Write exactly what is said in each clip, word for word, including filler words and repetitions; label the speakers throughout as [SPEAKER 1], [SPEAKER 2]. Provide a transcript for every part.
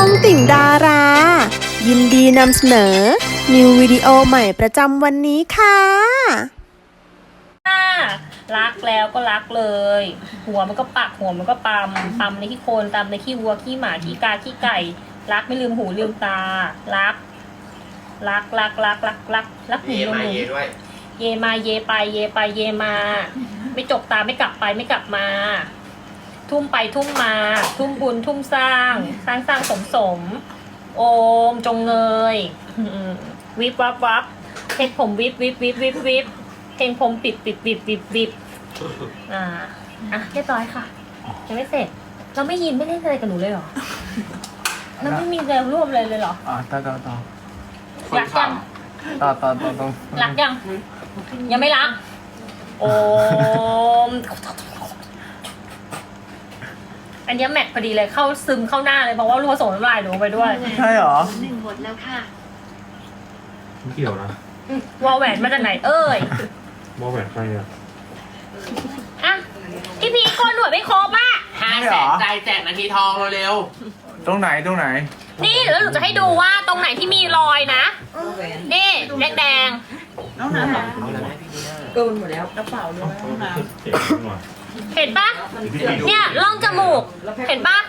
[SPEAKER 1] องติ่งดารา ยินดีนำเสนอ นิววิดีโอใหม่ประจำวันนี้ค่ะ
[SPEAKER 2] รักแล้วก็รักเลย หัวมันก็ปักหัวมันก็ปั๊มปั๊มในขี้โคลนตามในขี้วัวขี้หมาขี้กาขี้ไก่ รักไม่ลืมหูลืมตา รัก รักรักรักรักรักรักหู
[SPEAKER 3] เย
[SPEAKER 2] ลืม
[SPEAKER 3] มา
[SPEAKER 2] หู
[SPEAKER 3] เยด้วย
[SPEAKER 2] เยมาเยไปเยไปเยมา ไม่จบตาไม่กลับไปไม่กลับมา ทุ่มไปทุ่มมา ทุ่มบุญทุ่มสร้าง สร้างสร้างสมสม โอมจงเงยวิบวับวับเพชรผมวิบวิบวิบวิบวิบเพลงผมปิดปิดปิดปิดปิดอ่าอ่ะเรียบร้อยค่ะยังไม่เสร็จ เราไม่ยินไม่เล่นอะไรกับหนูเลยเหรอเราไม่มีแนวร่วมเลยเลยเหรอ
[SPEAKER 4] อ่าต่อต่อต่อ
[SPEAKER 2] รักยัง
[SPEAKER 4] ต่อต่อต่อต่อ
[SPEAKER 2] รักยัง ยังไม่รัก โอมอันนี้แมทพอดีเลยเข้าซึมเข้าหน้าเลยเพราะว่าลูกผสมน้ำลายหนูไปด้วย
[SPEAKER 4] ใช่เหรอ
[SPEAKER 5] หนึ่งหมดแล้วค่ะ
[SPEAKER 6] ไม่เกี่ยวนะ
[SPEAKER 2] วอลแหวนมาจากไหนเอ่ย
[SPEAKER 6] ว่าแหวนใครอะ
[SPEAKER 2] อ่ะพี่พีโกนหนวดไม่ครบอ่ะ
[SPEAKER 3] ห้า
[SPEAKER 4] ไม่
[SPEAKER 3] แส
[SPEAKER 4] เหรอ
[SPEAKER 3] นใจแจกนาทีทองเร็ว
[SPEAKER 4] ตรงไหนตรงไหน
[SPEAKER 2] นี่แล้วหนูจะให้ดูว่าตรงไหนที่มีรอยนะ นี่แดงแดง
[SPEAKER 5] น้องน้ำ
[SPEAKER 3] ๆเอาแล้วให้พี่ดีน่า
[SPEAKER 5] โดนหมดแล้วกระเป๋าด้วยน้องน้ำ
[SPEAKER 6] เจ็บหน่อย
[SPEAKER 2] ๆเห็นปะเนี่ยร่องจมูก เห็นปะ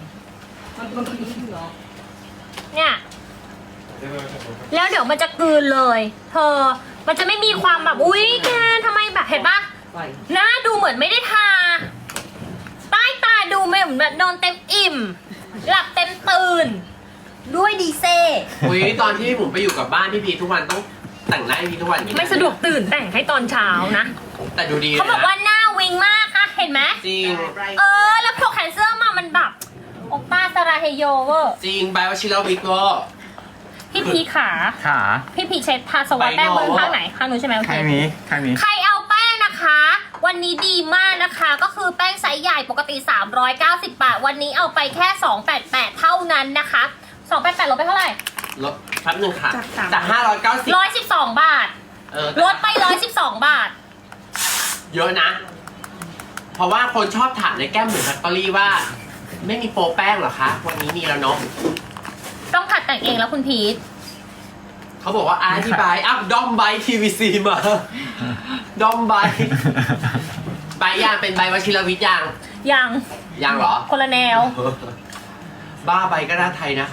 [SPEAKER 2] เนี่ยแล้วเดี๋ยวมันจะกลืนเลย เธอ มันจะไม่มีความแบบอุ๊ยแกทำไมแบบเห็นปะหน้าดูเหมือนไม่ได้ทา ใต้ตาดูไม่เหมือนแบบนอนเต็มอิ่ม หลับเต็มตื่น ด้วยดีเซ่
[SPEAKER 3] อุ้ยตอนที่ผมไปอยู่กับบ้านพี่พีทุกวันต้องแต่งหน้าให้พี่ทุกวันอย่างนี้
[SPEAKER 2] ไม่สะดวกตื่นแต่งให้ตอนเช้านะ
[SPEAKER 3] แต่ดูดี
[SPEAKER 2] เขาบอกว่าหน้าวิงมากอะเห็นไหม
[SPEAKER 3] จริง
[SPEAKER 2] เออ แล้วพอแขนเสื้อมามันแบบโอป้าสราเฮโยเวอร์
[SPEAKER 3] จริงใบวชิรวิทย์เวอร์
[SPEAKER 2] พี่พีขา
[SPEAKER 4] ขา
[SPEAKER 2] พี่พีเช็ดทาสวอตแป้งมือข้างไหนข้างนู้นใช่ไหมโอเค
[SPEAKER 4] ข้างนี้ข้างนี้
[SPEAKER 2] ใครเอาแป้งนะคะ วันนี้ดีมากนะคะ ก็คือแป้งไซส์ใหญ่ปกติสามร้อยเก้าสิบบาท วันนี้เอาไปแค่สองร้อยแปดสิบแปดเท่านั้นนะคะสองร้อยแปดสิบแปดลดไปเท่าไหร่
[SPEAKER 3] ลดแป๊บหนึงค่ะจากห้าร้อยเก้าสิบ
[SPEAKER 2] ร้อยสิบสองบาท
[SPEAKER 3] เออ
[SPEAKER 2] ลดไปร้อยสิบสองบาท
[SPEAKER 3] เยอะนะ เพราะว่าคนชอบถามในแก้มหมูแฟคทอรี่ว่า ไม่มีโปรแป้งเหรอคะ วันนี้มีแล้วเนาะ
[SPEAKER 2] ต้องผัดแต่งเองแล้วคุณพีท
[SPEAKER 3] เขาบอกว่าอธิบายอ้าวดอมไบทีวีซีมาดอมไบใบยางเป็นใบวชิรวิทย์ยาง
[SPEAKER 2] ยัง
[SPEAKER 3] ยางเหรอ
[SPEAKER 2] คนละแนว
[SPEAKER 3] บ้าใบก็น่าไทยนะคะ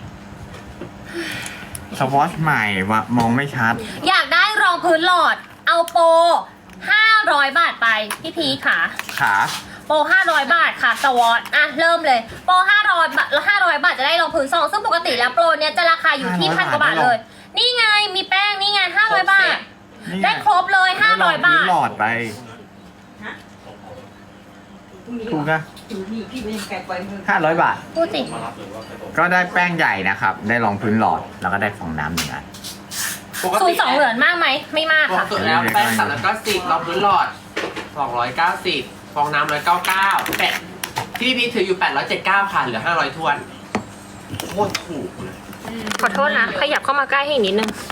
[SPEAKER 4] สวอชใหม่วะมองไม่ชัด
[SPEAKER 2] อยากได้รองพื้นหลอด เอาโปรห้าร้อยบาทไป พี่พีทค่ะ
[SPEAKER 4] ขา
[SPEAKER 2] โปรห้าร้อยบาทค่ะสวอตอ่ะ เริ่มเลย โปรห้าร้อยบาทแล้วห้าร้อยบาทจะได้รองพื้นซอง ซึ่งปกติแล้วโปรเนี้ยจะราคาอยู่ที่พันกว่าบาทเลย นี่ไง มีแป้ง นี่ไงห้าร้อยบาท
[SPEAKER 4] นี่
[SPEAKER 2] ได้ครบเลยห้าร้อยบาท
[SPEAKER 4] หลอดไปถูกนะห้าร้อยบาท
[SPEAKER 2] พูดสิ
[SPEAKER 4] ก็ได้แป้งใหญ่นะครับ ได้รองพื้นหลอด แล้วก็ได้ฟองน้ำหนึ่งอัน
[SPEAKER 3] ปก
[SPEAKER 2] ศูน
[SPEAKER 3] ติ
[SPEAKER 2] ย์สองเหรียญมากไหม ไม่มาก
[SPEAKER 3] ปก
[SPEAKER 2] ค่ะ
[SPEAKER 3] ติแล้วแป้งสามร้อยเก้าสิบรองพื้นหลอดสองร้อยเก้าสิบฟองน้ำร้อยเก้าเก้าแปดที่พี่ถืออยู่แปดร้อยเจ็ดเก้าค่ะเหลือห้าร้อยทวนโคตรถูกเลย
[SPEAKER 2] ขอโทษนะ ขยับเข้ามาใกล้ให้อีกนิดนึง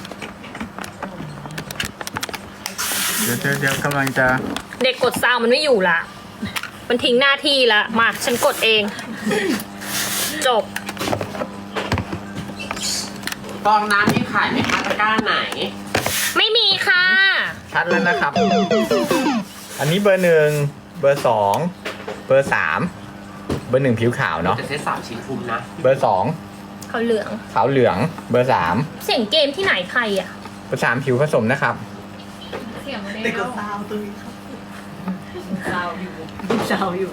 [SPEAKER 4] เดี๋ยวเดี๋ยวเดี๋ยวกำลังจะ
[SPEAKER 2] เด็กกดซาวมันไม่อยู่ละ มันทิ้งหน้าที่ละ มา ฉันกดเอง จบ
[SPEAKER 3] ฟองน้ำที่ขายไหมคะตะกร้าไหน
[SPEAKER 2] ไม่มีค่ะ
[SPEAKER 4] ชัดแล้วนะครับ อันนี้เบอร์หนึ่งเบอร์สองเบอร์สามเบอร์หนึ่งผิวขาวเนาะ
[SPEAKER 3] จะเซตสามชิ้นคุ้มนะ
[SPEAKER 4] เบอร์สอง
[SPEAKER 2] เขาเหลือง
[SPEAKER 4] ขาวเหลือง เบอร์สาม
[SPEAKER 2] เสียงเกมที่ไหนใครอ่ะ
[SPEAKER 4] เบอร์สามผิวผสมนะครับ
[SPEAKER 2] เสียงอะไร
[SPEAKER 5] ติดกับซาวตัวนี้ครับซาวอยู่ซาวอยู่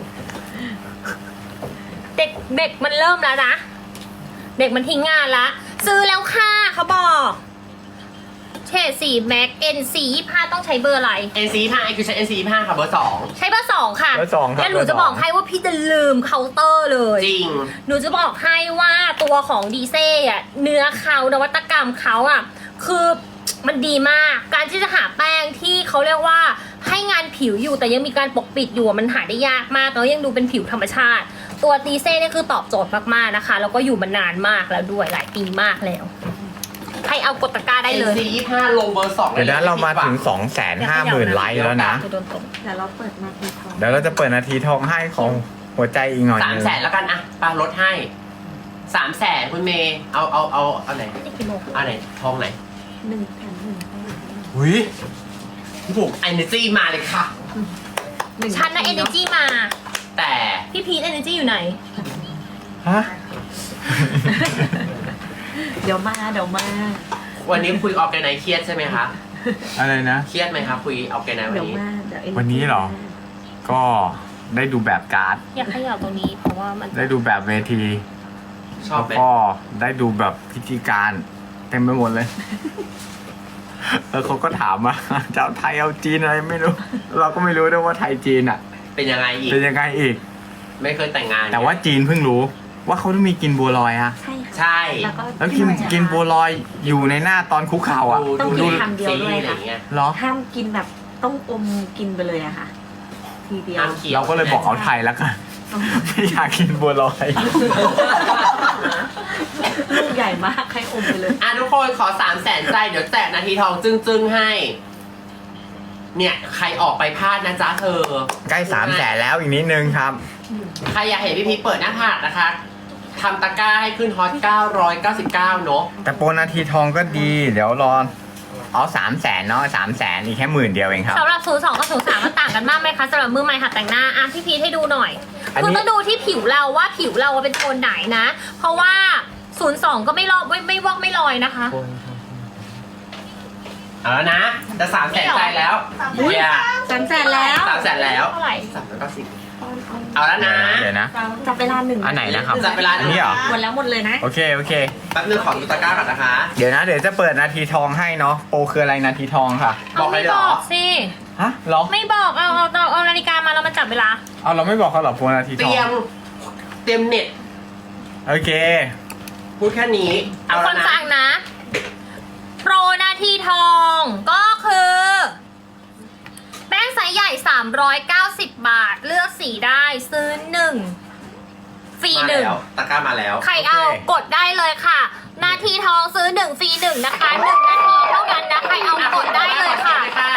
[SPEAKER 2] เด็กเด็กมันเริ่มแล้วนะ เด็กมันทิ้งงานละ ซื้อแล้วค่ะเขาบอกเฉดสีแม็กเอ็นซียี่ห้าต้องใช้เบอร์อะไร
[SPEAKER 3] เอ็น ซี ห้าคือใช้ เอ็น ซี ห้าค่ะเบอร์สอง
[SPEAKER 2] ใช้เบอร์สองค่ะ
[SPEAKER 4] เบอร์สองครับ
[SPEAKER 2] แล้วหนูจะ
[SPEAKER 4] เบอร์สอง
[SPEAKER 2] บอกให้ว่าพี่จะลืมเคาน์เตอร์เลย
[SPEAKER 3] จริง
[SPEAKER 2] หนูจะบอกให้ว่าตัวของดีเซ่อะเนื้อเขานวัตกรรมเขาอะคือมันดีมาก การที่จะหาแป้งที่เขาเรียกว่าให้งานผิวอยู่แต่ยังมีการปกปิดอยู่อะมันหาได้ยากมากแล้วยังดูเป็นผิวธรรมชาติ ตัวดีเซ่เนี่ยคือตอบโจทย์มากๆนะคะแล้วก็อยู่มานานมากแล้วด้วยหลายปีมากแล้วใครเอากดตะกร้าได้
[SPEAKER 3] เอ็น
[SPEAKER 2] เลย
[SPEAKER 3] ซี ยี่ห้าลงเบอร์สอง
[SPEAKER 4] เดี๋ยวนั้นเรามาถึงสองแสนห้าหมื่นไลค์แล้วนะ
[SPEAKER 2] จะโดนตบ
[SPEAKER 5] แต่เราเปิดมาทีทอง
[SPEAKER 4] เดี๋ยวเราจะเปิดนาทีทองให้ของหัวใจอีกหน่อย
[SPEAKER 3] สาม
[SPEAKER 4] นึง
[SPEAKER 3] แสนแล้วกันอะปาลดให้สามแสนคุณเมย์เอาเอาเอาเอาไหน
[SPEAKER 2] นี่กี่โมง
[SPEAKER 3] เอาไหนทองไหน
[SPEAKER 5] หนึ่งแถมหนึ่ง
[SPEAKER 3] หุยบุกเอเนจีมาเลยค่ะ
[SPEAKER 2] ฉันนะเอเนจีมา
[SPEAKER 3] แต่
[SPEAKER 2] พี่พีทเอเนจีอยู่ไหน
[SPEAKER 4] ฮะ
[SPEAKER 5] เดี๋ยวมาเดี๋ยวมา
[SPEAKER 3] วันนี้คุยออกแกไนเครียดใช่ไหมคะ
[SPEAKER 4] อะไรนะ
[SPEAKER 3] เครียดไหมครับคุยออกแกไนวัน
[SPEAKER 5] เดี๋ยว
[SPEAKER 3] นี้
[SPEAKER 5] มาเดี๋ยว
[SPEAKER 4] วันนี้เหรอ ก็ได้ดูแบบการ์ด
[SPEAKER 2] อยากขยับตรงนี้เพราะว่ามัน
[SPEAKER 4] ได้ดูแบบเวที
[SPEAKER 3] ชอบ
[SPEAKER 4] แล้ว
[SPEAKER 3] ไหม
[SPEAKER 4] ก็ได้ดูแบบพิธีการเต็มไปหมดเลย แล้วเขาก็ถามมา จะเอาไทยเอาจีนอะไรไม่รู้ เราก็ไม่รู้ด้วยว่าไทยจีนอ่ะ
[SPEAKER 3] เป็นยังไงอีก
[SPEAKER 4] เป็นยังไงอีก
[SPEAKER 3] ไม่เคยแต่งงาน
[SPEAKER 4] แต่ว่าจีนเพิ่งรู้ ว่าเขาต้องมีกินบัวลอยอะ
[SPEAKER 5] ใช่ค่ะ
[SPEAKER 3] ใช่
[SPEAKER 5] แล้วก็
[SPEAKER 4] แล้วกินกินบัวลอยอยู่ในหน้าตอนคุกเข่าอ่ะ
[SPEAKER 3] ดู
[SPEAKER 5] ต้อง
[SPEAKER 3] ดู
[SPEAKER 5] กินคำเดียวด้วย
[SPEAKER 3] ซีรีส์อะไร
[SPEAKER 5] ค่ะ
[SPEAKER 3] อย่างเงี้ย
[SPEAKER 4] เหรอ
[SPEAKER 5] ห้ามกินแบบต้องอมกินไปเลยอะค่ะ ทีเดียว
[SPEAKER 3] น้ำเขียว
[SPEAKER 4] เราก็เลยบอกเอาไทยแล้วกัน ไม่อยากกินบัวลอย
[SPEAKER 5] ลูกใหญ่มากให้อมไปเลย
[SPEAKER 3] อ่ะทุกคนขอสามแสนใจเดี๋ยวแจกนาทีทองจึ้งๆให้ เนี่ย ใครออกไปพลาดนะจ๊ะเธอ
[SPEAKER 4] ใกล้สามแสนแล้วอีกนิดนึงครับ
[SPEAKER 3] ใครอยากเห็นพี่พีชเปิดหน้าผากนะคะทำตะกร้าให้ขึ้นฮอตเก้าร้อยเก้าสิบเก้าเนอะ
[SPEAKER 4] แต่โปรนาทีทองก็ดี เดี๋ยวรอเอาสามแสนเนาะสามแสนอีกแค่หมื่นเดียวเองครับ
[SPEAKER 2] สำหรับศูนย์สองกับศูนย์สามมันต่างกันมากไหมคะสำหรับมือใหม่หัดแต่งหน้าอ่ะพี่พีทให้ดูหน่อย
[SPEAKER 4] อันนี้
[SPEAKER 2] คุณต้องดูที่ผิวเราว่าผิวเราเป็นโทนไหนนะ เพราะว่าศูนย์สองก็ไม่ลอกไม่ไม่วอกไม่ลอยนะคะ
[SPEAKER 3] เอาแล้วนะ จะสามแสนใจแล้ว
[SPEAKER 2] อุ๊ย
[SPEAKER 3] อย่า
[SPEAKER 5] สามแสนแล้ว
[SPEAKER 3] สามแสนแล้ว
[SPEAKER 2] เท่าไหร่
[SPEAKER 3] สามร้อยเก้าสิบเอาแล้วนะ
[SPEAKER 4] เดี๋ยวนะ
[SPEAKER 5] จับเวลาหนึ่ง
[SPEAKER 4] อันไหนนะครับ
[SPEAKER 3] จับเวลา
[SPEAKER 4] อันนี้เหรอ
[SPEAKER 5] หมดแล้วหมดเลยนะ
[SPEAKER 4] โอเคโอเค
[SPEAKER 3] แป๊บนึงขอดูตะกร้าก่อนนะคะ
[SPEAKER 4] เดี๋ยวนะ เดี๋ยวจะเปิดนาทีทองให้เนาะโปรคืออะไรนาทีทองค่ะ
[SPEAKER 3] บอกเลยเหรอ
[SPEAKER 2] ไม่บอกสิ
[SPEAKER 4] ฮะเหรอ
[SPEAKER 2] ไม่บอกเอาเอาเอาเอานาฬิกามาแล้วมาจับเวลา
[SPEAKER 4] เอาเราไม่บอกเขาเหรอโปรนาที
[SPEAKER 3] เต
[SPEAKER 4] ทอ
[SPEAKER 3] รีย
[SPEAKER 4] ง
[SPEAKER 3] ม เตรียมเน็ต
[SPEAKER 4] โอเค
[SPEAKER 3] พูดแค่นี้
[SPEAKER 2] เอา
[SPEAKER 3] เอา
[SPEAKER 2] ค
[SPEAKER 3] แล้ว
[SPEAKER 2] น
[SPEAKER 3] นะ
[SPEAKER 2] ฟังนะ โปรนาทีทองก็คือ แป้งไซส์ใหญ่ สามร้อยเก้าสิบ บาท เลือกสีได้ซื้อหนึ่งฟรี
[SPEAKER 3] มา
[SPEAKER 2] หนึ่ง
[SPEAKER 3] แล้วตะกร้ามาแล้ว
[SPEAKER 2] ใครเอา
[SPEAKER 4] โอเค
[SPEAKER 2] กดได้เลยค่ะ นาทีทองซื้อหนึ่งฟรีหนึ่งนะคะหนึ่งนาทีเท่านั้นนะใครเอากดได้เลยค่ะ
[SPEAKER 3] ค่ะ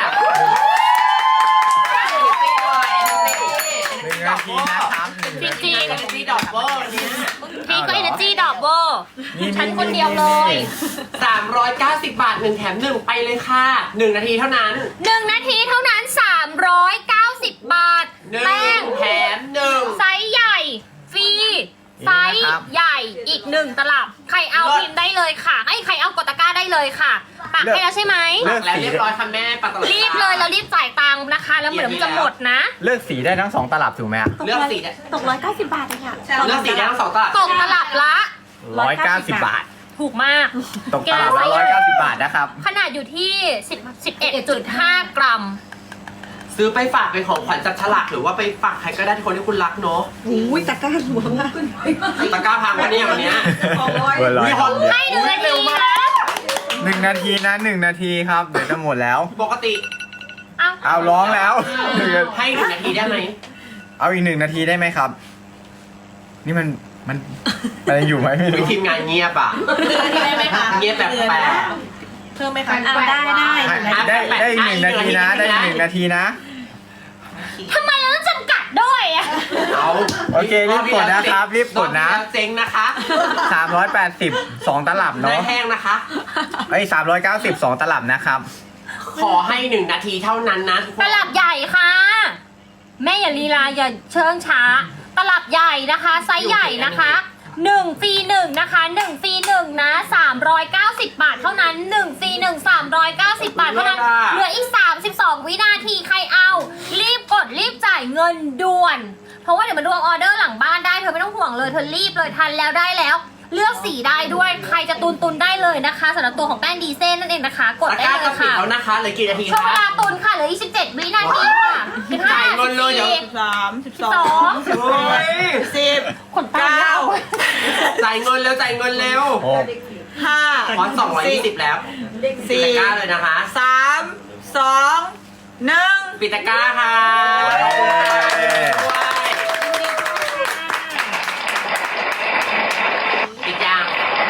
[SPEAKER 4] หนึ่งนาทีนะครับหนึ่งนาที
[SPEAKER 2] จริง
[SPEAKER 3] ซีดอกเวอร์เนี่ย
[SPEAKER 2] พี่ก็ Energy ดอกเวอร์
[SPEAKER 4] นี่
[SPEAKER 2] ฉันคนเดียวเลย
[SPEAKER 3] สามร้อยเก้าสิบบาทหนึ่งแถมหนึ่งไปเลยค่ะหนึ่งนาทีเท่านั้น
[SPEAKER 2] หนึ่งนาทีเท่านั้น สามร้อยเก้าสิบ บาท
[SPEAKER 3] หนึ่
[SPEAKER 2] แป้ง
[SPEAKER 3] งแถมหนึ่ง
[SPEAKER 2] ไซส์ใหญ่ ฟรี ไซส์ใหญ่อีกหนึ่งตลับ ใครเอาพิมพ์ได้เลยค่ะไอ้ยใครเอากดตะกร้าได้เลยค่ะปักให้แล้วใช่ไหม
[SPEAKER 3] หลักแล้วเรียบร้อยค่ะแม่ปัตตานี
[SPEAKER 2] รีบเลยแล้วรีบจ่ายตังค์นะคะ แล้วเหมือนมันจะหมดนะ
[SPEAKER 4] เลือกสีได้ทั้งสองตลับถูกไหมอะ
[SPEAKER 3] เลือกสีได้
[SPEAKER 5] ตกร้อยเก้าสิบบาทเลยค่ะ
[SPEAKER 3] เลือกสีได้ทั้งสองตลาด
[SPEAKER 2] ตกตลับละ
[SPEAKER 4] ร้อยเก้าสิบบาท
[SPEAKER 2] ถูกมาก
[SPEAKER 4] ตกตลับละร้อยเก้าสิบบาทนะครับ
[SPEAKER 2] ขนาดอยู่ที่สิบ สิบเอ็ดจุดห้ากรัม
[SPEAKER 3] ซื้อไปฝากเป็นของขวัญจับฉลากหรือว่าไปฝากใครก็ได้ที่คนที่คุณรักเนาะ
[SPEAKER 5] อุ้ยตะกร้าหัวมาก
[SPEAKER 3] ตะกร้าพังวันนี้วันเนี้ย
[SPEAKER 4] เบอร์ร้อย
[SPEAKER 3] มีฮอต
[SPEAKER 2] ให้หนึ่งนาทีนะ
[SPEAKER 4] หนึ่งนาทีนะหนึ่งนาทีครับ เดี๋ยวจะหมดแล้ว
[SPEAKER 3] ปกติ
[SPEAKER 2] เอา
[SPEAKER 4] เอาร้องแล้วหนึ่ง
[SPEAKER 3] ให้หนึ่งนาทีได้ไหม
[SPEAKER 4] เอาอีกหนึ่งนาทีได้ไหมครับ นี่มันมันมันยังอยู่ไหมไม่
[SPEAKER 3] วิ
[SPEAKER 4] รู้
[SPEAKER 3] ทีมงานเงียบอ่ะ
[SPEAKER 5] ได้ไหมคะ
[SPEAKER 3] เงียบแบบแปลก
[SPEAKER 5] เพิ่มไหมคะเอาได้ได้
[SPEAKER 4] ได้ได้อีกหนึ่งนาทีนะ ได้อีกหนึ่งนาทีนะ
[SPEAKER 2] ทำไมเราต้องจำกัดด้วยอะ
[SPEAKER 3] เอา
[SPEAKER 4] โอเครีบกดนะครับรีบกดนะ
[SPEAKER 3] รอบที่แล้วเจ๊งนะคะ
[SPEAKER 4] สามร้อยแปดสิบสองตลับ
[SPEAKER 3] ได้
[SPEAKER 4] เนาะ
[SPEAKER 3] แห้งนะคะ
[SPEAKER 4] ไอ้สามร้อยเก้าสิบสองตลับนะครับ
[SPEAKER 3] ขอให้หนึ่งนาทีเท่านั้นนะทุกค
[SPEAKER 2] ต
[SPEAKER 3] น
[SPEAKER 2] ลับใหญ่ค่ะ แม่อย่าลีลาอย่าเชิงช้า ตลับใหญ่นะคะไซส์ใหญ่นะคะหนึ่งฟรีหนึ่งนะคะหนึ่งฟรีหนึ่งนะสามร้อยเก้าสิบบาทเท่านั้นหนึ่งฟรีหนึ่งสามร้อยเก้าสิบบาทเท่านั้นเหลืออีกสามสิบสองวินาทีใครเอา รีบกดรีบจ่ายเงินด่วน เพราะว่าเดี๋ยวมันรวมออเดอร์หลังบ้านได้เธอไม่ต้องห่วงเลยเธอรีบเลยทันแล้วได้แล้ว เลือกสีได้ด้วยใครจะตุนตุนได้เลยนะคะสำหรับตัวของแป้งดีเซนนั่นเองนะคะ กด
[SPEAKER 3] ตะ
[SPEAKER 2] ได้
[SPEAKER 3] กร้า
[SPEAKER 2] เล
[SPEAKER 3] จะ
[SPEAKER 2] ย
[SPEAKER 3] ปิด
[SPEAKER 2] ค่ะ
[SPEAKER 3] แล้วนะคะเหลือกี่นาที
[SPEAKER 2] ช่วงเว
[SPEAKER 3] คะ
[SPEAKER 2] ลาตุนค่ะเหลืออีกสิบเจ็ดวินาทีค่ะสิบห้า
[SPEAKER 3] จ่ายเงินเลยเดี๋ยว
[SPEAKER 2] สิบ
[SPEAKER 5] สามสิบส
[SPEAKER 2] ส
[SPEAKER 5] อ
[SPEAKER 2] อง ง
[SPEAKER 3] โอ้ย
[SPEAKER 5] สิบ
[SPEAKER 2] ขนตาเก้า
[SPEAKER 3] จ่ายเงินเร็วจ่ายเงินเร็ว
[SPEAKER 4] โอ้
[SPEAKER 5] ห้า
[SPEAKER 3] พอสองร้อยยี่สิบแล้วปิด
[SPEAKER 5] สี่
[SPEAKER 3] ตะกร้าเลยนะคะ
[SPEAKER 5] สามสองหนึ่ง
[SPEAKER 3] ปิดตะกร้าค่ะปิดยัง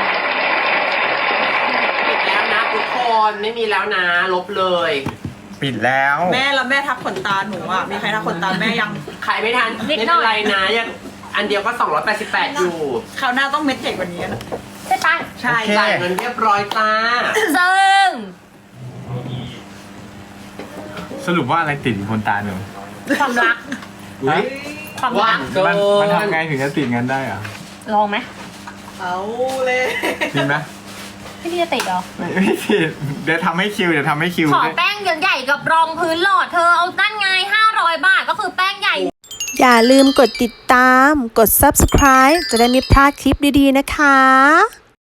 [SPEAKER 3] ปิดแล้วนะทุกคนไม่มีแล้วนะลบเลย
[SPEAKER 4] ปิดแล้ว
[SPEAKER 7] แม่แล้วแม่ทักขนตาหนูอ่ะ มีใครทักขนตาแม่ยัง
[SPEAKER 3] ใครไม่ทันไม่เป็นไรนะยังอันเดียวก็สองร้อยแปดสิบแปดอยู่
[SPEAKER 5] คราวหน้าต้องเม็ดใหญ่กว่านี้นะ
[SPEAKER 2] ใช่ปะ
[SPEAKER 5] ใช่
[SPEAKER 4] โอเค
[SPEAKER 3] จ่ายเงินเรียบร้อยจ้า
[SPEAKER 2] ซึ่ง
[SPEAKER 4] สรุปว่าอะไรติดอยู่บนตาหนู
[SPEAKER 2] ความรัก
[SPEAKER 3] อุ๊ย
[SPEAKER 2] ความ
[SPEAKER 3] ว่า
[SPEAKER 2] รัก
[SPEAKER 3] เกิ
[SPEAKER 4] มันมัน
[SPEAKER 3] น
[SPEAKER 4] ทำไงถึงจะติดงั้นได้อะ
[SPEAKER 2] ลองไหม
[SPEAKER 5] เอาเลย
[SPEAKER 4] จริงไหม
[SPEAKER 2] พี่พี่จะติดเหรอ
[SPEAKER 4] ไม่ไม่ติดเดี๋ยวทำให้คิวเดี๋ยวทำให้คิว
[SPEAKER 2] ขอแป้งใหญ่ๆกับรองพื้นหลอดเธอเอาตั้นไงห้าร้อยบาทก็คือแป้งใหญ่
[SPEAKER 1] อย่าลืมกดติดตาม กด ซับสไครบ์ จะได้ไม่พลาดคลิปดีๆนะคะ